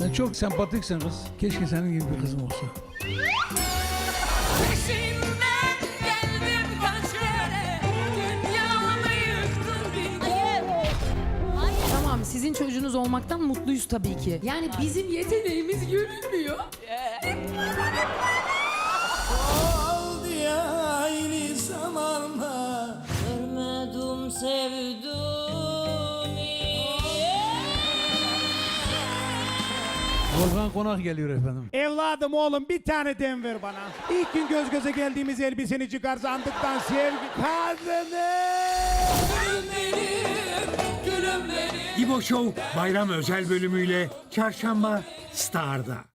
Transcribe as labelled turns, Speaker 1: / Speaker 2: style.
Speaker 1: Sen çok sempatiksin kız. Keşke senin gibi bir kızım olsa.
Speaker 2: Peşinden geldim kaç kere, dünyamı yıktın bir kere.
Speaker 3: Tamam, sizin çocuğunuz olmaktan mutluyuz tabii ki. Yani bizim yeteneğimiz görülmüyor.
Speaker 4: Oldu ya aynı zamanda.
Speaker 2: Görmedim sevdim.
Speaker 1: Volkan Konak geliyor efendim.
Speaker 5: Evladım oğlum bir tane dem ver bana. İlk gün göz göze geldiğimiz elbiseni çıkar sandıktan sevgi kadını.
Speaker 6: İbo Show bayram özel bölümüyle Çarşamba Star'da.